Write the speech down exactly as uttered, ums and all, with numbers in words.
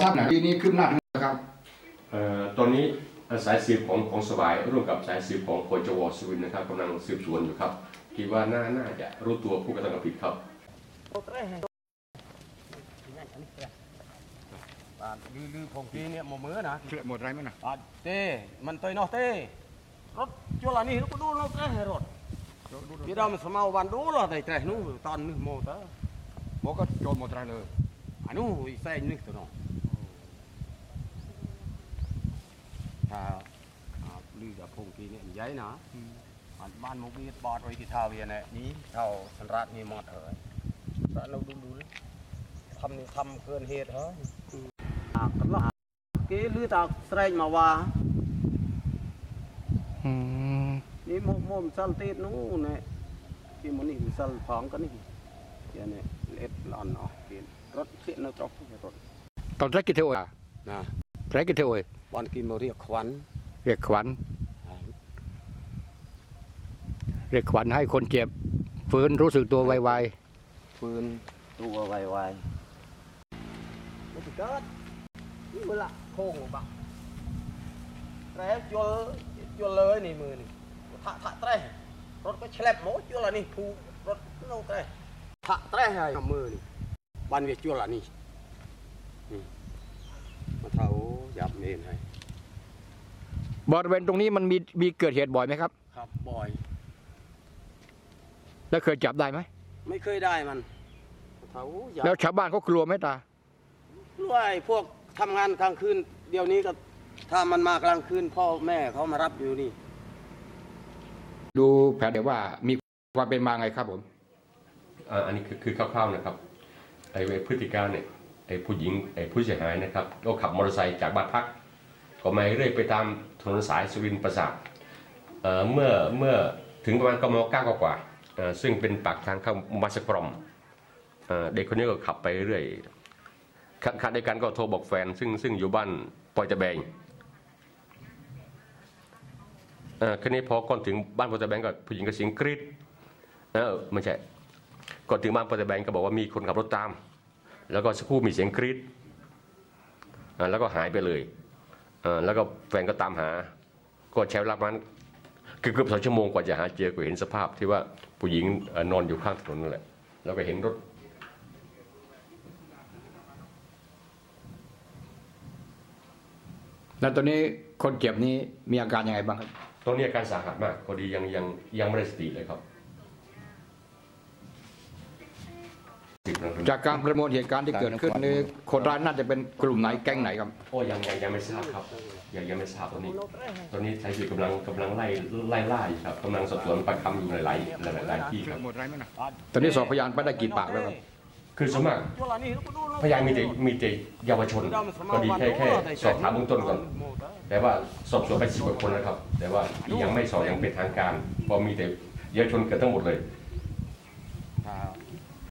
ทราบหนาทีนี้ขึ้นหน้าถึงนะครับตอนนี้สายสืบของของสบายร่วมกับสายสืบของปจว.สุรินทร์นะครับกำลังสืบสวนอยู่ครับคิดว่าน่าน่าจะรู้ตัวผู้กระทำความผิดครับลือลือของพี่เนี่ยหมดมือนะหมดไรมั้ยนะเต้มันตัวน้อยเต้รถจุลานี่ก็ดูรถเต้รถพี่เรามันสมัยวันดูรถไอ้เต้นู้ตอนนึกโมเตอร์โมก็โจรหมดไรเลยอันนู้นใส่นึกตัวน้องถ้าลือกับพงกีเนี่ยใหญ่นะบ้านมุกมีบอดไว้ที่ท่าเวียนเนี่ยนี้เท่าสันรัตมีหมดเหรอแล้วเราดูดูทำนี่ทำเกินเหตุเหรอก็ว่ากีลือตาแสดงมาว่านี่มุมมุมสัลตินู้นเนี่ยที่มันนี่สัลฟองกันนี่อย่างนี้เล็ดหลอนออกกินรถเสียนรถรถตอนแรกกี่เท่าอ่ะนะแรกกี่เท่าเอ้ยบอลกินมาเรียกขวัญเรียกขวัญเรียกขวัญให้คนเจ็บฟื้นรู้สึกตัวไวๆฟื้นตัวไวๆไม่ถึงก็นี่มือละโค้งบักแร่จวลจวลเลยนี่มือนี่ถะถะแร่รถก็แฉลบโม้จวลนี่ผูรถโน้ตแร่ถะแร่ให้มือนี่บันเวียจวลนี่มาเท่าหยับเมนให้บริเวณตรงนี้มันมีมีเกิดเหตุบ่อยไหมครับครับบ่อยแล้วเคยจับได้ไหมไม่เคยได้มันแล้วชาวบ้านเขากลัวไหมตาด้วยพวกทำงานกลางคืนเดี๋ยวนี้ก็ถ้ามันมากลางคืนพ่อแม่เขามารับอยู่นี่ดูแผนเดี๋ยวว่ามีความเป็นมาไงครับผมอันนี้คือคือคร่าวๆนะครับไอ้พฤติการเนี่ยไอ้ผู้หญิงไอ้ผู้เสียหายนะครับก็ขับมอเตอร์ไซค์จากบ้านพักก็มาเรื่อยไปตามถนนสายสุรินทร์ปราสาทเมื่อเมื่อถึงประมาณกมเก้ากว่าซึ่งเป็นปากทางเข้ามัสกรมเด็กคนนี้ก็ขับไปเรื่อยขณะเดียวกันก็โทรบอกแฟนซึ่งซึ่งอยู่บ้านปอยตะแบงคืนนี้พอก่อนถึงบ้านปอยตะแบงก็ผู้หญิงก็เสียงกรี๊ดเออไม่ใช่ก่อนถึงบ้านปอยตะแบงก็บอกว่ามีคนขับรถตามแล้วก็สักครู่มีเสียงกรี๊ดแล้วก็หายไปเลยแล้วก็แฟนก็ตามหาก็ใช้เวลาประมาณเกือบสองชั่วโมงกว่าจะหาเจอก็เห็นสภาพที่ว่าผู้หญิงนอนอยู่ข้างถนนนั่นแหละแล้วก็เห็นรถแล้วตอนนี้คนเจ็บนี้มีอาการยังไงบ้างครับตอนนี้อาการสาหัสมากพอดียังยังยังไม่ได้สติเลยครับจากการประมวลเหตุการณ์ที่เกิดขึ้นนี้คนร้ายน่าจะเป็นกลุ่มไหนแก๊งไหนครับโอ้ยังยังยังไม่ทราบครับยังยังไม่ทราบตอนนี้ตอนนี้สายสืบกำลังกำลังไล่ไล่ล่าอยู่ครับกำลังสอบสวนปากคำอยู่หลายหลายหลายที่ครับตอนนี้สอบพยานไปได้กี่ปากแล้วครับคือสมัครพยานมีแต่มีแต่เยาวชนก็ดีแค่แค่สอบถามเบื้องต้นก่อนแต่ว่าสอบสวนไปสิบกว่าคนนะครับแต่ว่ายังไม่สอบยังเป็นทางการเพราะมีแต่เยาวชนเกิดทั้งหมดเลย